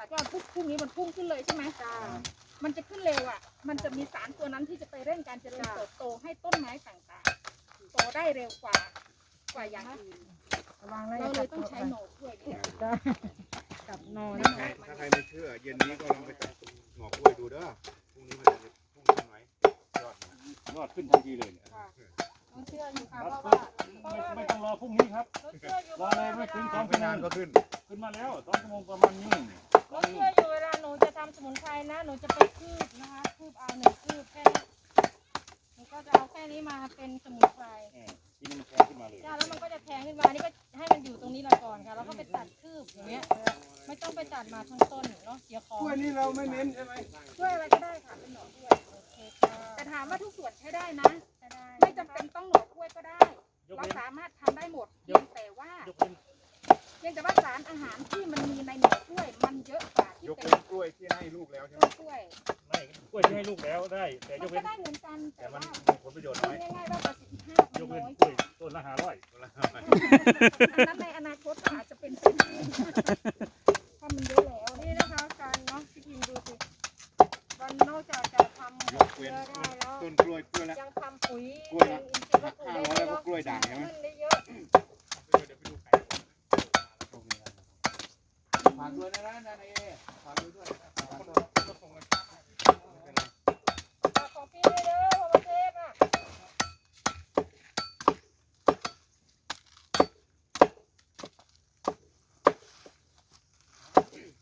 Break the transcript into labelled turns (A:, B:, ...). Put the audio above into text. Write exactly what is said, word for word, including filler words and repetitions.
A: ก็ปุ๊บพรุ่งนี้มันพุ่งขึ้นเลยใช่ไหมจ้ามันจะขึ้นเร็วอ่ะมันจะมีสารตัวนั้นที่จะไปเร่งการเจริญเติบโตให้ต้นไม้ต่างๆโตได้เร็วกว่ากว่าอย่างอื่นเราเลยต้องใช้หน่อด้วยเนี่ยกับนอน
B: ถ้าใครถ้าใครไม่เชื่อเย็นนี้ก็ลองไปตัดหน่อกล้วยดูเด้อพรุ่งนี้มันจะพุ่งขึ้นไหมยอดยอดขึ้นทันทีเลยเนี่ย
A: ต้องเชื่ออยู่ค่ะเพราะว่า
C: ไม่ต้องรอพรุ่งนี้ครับ
A: เราเชื่ออยู่
C: รอเลยไม่ถึงสอง
B: ไม่
C: ชั่วโม
B: นาง นก็ขึ้น
C: ขึ้นมาแล้วสองชั่วโมงประมาณนี้
A: เราเชื่ออยู่เวลาหนูจะทำสมุนไพรนะหนูจะไปคืบนะคะคืบเอาหนึ่งคืบแค่หนูก็จะเอาแค่นี้มาเป็นสมุนไพร
C: ทีนี้มันแทงขึ้นมาเลย
A: จ้าแล้วมันก็จะแทงขึ้นมานี่ก็ให้มันอยู่ตรงนี้ละก่อนค่ะแล้วก็ไปตัดคืบอย่างเงี้ยไม่ต้องไปตัดมาทั้งต้นเนาะเสียของ
B: กล้วยนี่เราไม่เน้นใช่ไหม
A: ช่วยอะไรก็ได้ค่ะเป็นหน่อกล้วยโอเคค่ะแต่ถามว่าทุกส่วนใช้ได้นะไม่จำเป็นต้องหน่อกล้วยก็ได้
C: ยก
A: เรา
C: เว้น
A: สามารถทำได้หมดเพียงแต่ว่าย
C: กเว้น
A: เพียงแต่ว่าสารอาหารที่มันมีในหน่อกล้วยมันเยอะกว่าที่
B: ยก
A: เป็น
B: เป็นกล้วยที่ให้ลูกแล้วใช่ไหม
A: ต้นกล้วย
C: ไม่กล้วยที่ให้ลูกแล้วได้ แต่
A: มั
C: ย
A: น
C: ก
A: ก็
C: เว้น
A: ได้เหมือนกันแต่
C: แต่มัน
A: ว่า
C: มีผลประโยชน์
A: พู
C: น้
A: ด
C: อย
A: ง่ายๆว่าประสิทธิภาพมัน
C: ยกเว้น
A: น้อย
C: กล้วยต้นละห้าร้อย
A: อันนั้นในอนาคตก็อาจจะเป็นเป็นถ้ามันเยอะแล้วนี่นะคะการเนาะพี่พิมดูสิวันนอกจากจะทำ
B: ยก
A: เย
B: เว้น
A: อะได้แล้ว
B: ต้นกล้วยกล้วยละ
A: ยังทำปุ๋ย
B: กล้วยละ
A: เป็นอินทรีย์วัตถุ
B: ห้า
A: ได้
B: ร้อยแล้วก็กล้วยด่างใช่ไหม
A: ใน